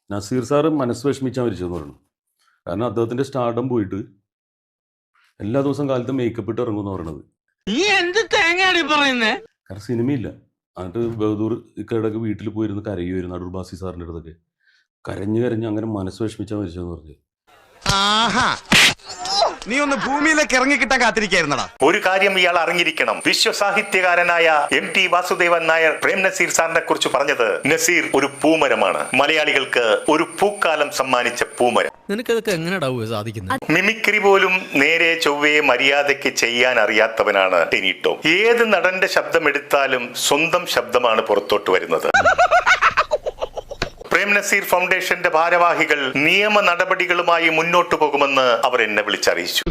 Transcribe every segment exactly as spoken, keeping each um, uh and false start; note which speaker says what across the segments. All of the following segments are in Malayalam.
Speaker 1: നസീർ സാറ് മനസ്സ് വിഷമിച്ചാൽ മരിച്ചതെന്ന് പറഞ്ഞു. കാരണം അദ്ദേഹത്തിന്റെ സ്റ്റാർഡം പോയിട്ട് എല്ലാ ദിവസവും കാലത്ത് മേക്കപ്പ് ഇട്ട് ഇറങ്ങുമെന്ന് പറയണത്. കാരണം സിനിമയില്ല. എന്നിട്ട് ബഹദൂർ ഇക്കടക്ക് വീട്ടിൽ പോയിരുന്ന് കരയുമായിരുന്നു അടൂർ ബാസി സാറിൻ്റെ അടുത്തൊക്കെ. കരഞ്ഞു കരഞ്ഞ് അങ്ങനെ മനസ്സ് വിഷമിച്ചാൽ മരിച്ചതെന്ന് പറഞ്ഞു.
Speaker 2: നീ ഒന്ന് ഭൂമിയിലേക്ക് ഇറങ്ങി കിട്ടാൻ കാത്തിരിക്കായിരുന്നടാ.
Speaker 3: ഒരു കാര്യം ഇയാൾ അറിഞ്ഞിരിക്കണം. വിശ്വസാഹിത്യകാരനായ എം ടി വാസുദേവൻ നായർ പ്രേം നസീർ സാറിനെ കുറിച്ച് പറഞ്ഞത് നസീർ ഒരു പൂമരമാണ്, മലയാളികൾക്ക് ഒരു പൂക്കാലം സമ്മാനിച്ച പൂമരം.
Speaker 4: നിനക്കതൊക്കെ എങ്ങനെയാ സാധിക്കുന്നത്?
Speaker 3: മിമിക്രി പോലും നേരെ ചൊവ്വയെ മര്യാദയ്ക്ക് ചെയ്യാൻ അറിയാത്തവനാണ് ടിനി ടോം. ഏത് നടന്റെ ശബ്ദം എടുത്താലും സ്വന്തം ശബ്ദമാണ് പുറത്തോട്ട് വരുന്നത്. പ്രേം നസീർ ഫൗണ്ടേഷന്റെ ഭാരവാഹികൾ നിയമ നടപടികളുമായി മുന്നോട്ടു പോകുമെന്ന് അവർ എന്നെ വിളിച്ചറിയിച്ചു.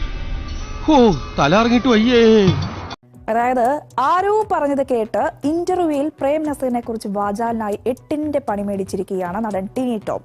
Speaker 5: അതായത് ആരോ പറഞ്ഞത് കേട്ട് ഇന്റർവ്യൂവിൽ പ്രേം നസീറിനെ കുറിച്ച് വാചാലിനായി എട്ടിന്റെ പണി മേടിച്ചിരിക്കുകയാണ് നടൻ ടിനി ടോം.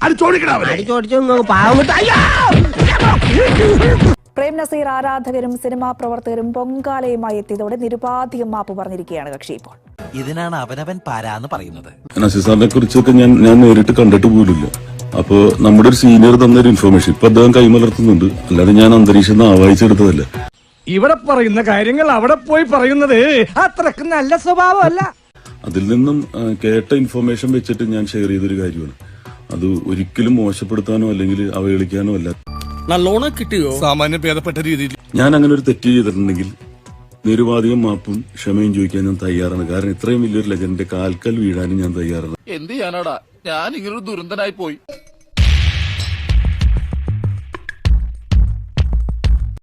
Speaker 5: പ്രേം നസീർ ആരാധകരും സിനിമാ പ്രവർത്തകരും പൊങ്കാലയുമായി എത്തിയതോടെ നിരുപാധികം മാപ്പ് പറഞ്ഞിരിക്കുകയാണ് കക്ഷി. ഇപ്പോൾ
Speaker 6: ഇതിനാണ് അവനവൻ പാരാന്ന് പറയുന്നത്.
Speaker 1: നസീർ സാറിനെ കുറിച്ചൊക്കെ ഞാൻ ഞാൻ നേരിട്ട് കണ്ടിട്ട് പോലുമില്ല. അപ്പോ നമ്മുടെ ഒരു സീനിയർ തന്നൊരു ഇൻഫർമേഷൻ ഇപ്പൊ അദ്ദേഹം കൈമലർത്തുന്നുണ്ട്. അല്ലാതെ ഞാൻ അന്തരീക്ഷം നിന്ന് ആവാഹിച്ചെടുത്തതല്ല.
Speaker 7: ഇവിടെ പറയുന്ന കാര്യങ്ങൾ അവിടെ പോയി പറയുന്നത് അത്രക്ക് നല്ല സ്വഭാവമല്ല.
Speaker 1: അതിൽ നിന്നും കേട്ട ഇൻഫർമേഷൻ വെച്ചിട്ട് ഞാൻ ഷെയർ ചെയ്തൊരു കാര്യമാണ്. അത് ഒരിക്കലും മോശപ്പെടുത്താനോ അല്ലെങ്കിൽ അവഹേളിക്കാനോ അല്ല.
Speaker 4: നല്ലോണം കിട്ടിയോ? സാമാന്യ ഭേദപ്പെട്ട രീതിയിൽ
Speaker 1: ഞാൻ അങ്ങനെ ഒരു തെറ്റ് ചെയ്തിട്ടുണ്ടെങ്കിൽ നിരുപാധികം മാപ്പും ക്ഷമയും ചോദിക്കാൻ ഞാൻ തയ്യാറാണ്. കാരണം ഇത്രയും വലിയൊരു ലെജൻഡിന്റെ കാൽക്കൽ വീഴാനും ഞാൻ തയ്യാറാണ്.
Speaker 8: എന്ത് ചെയ്യാനാടാ, ഞാൻ ഇങ്ങനൊരു ദുരന്തനായി പോയി.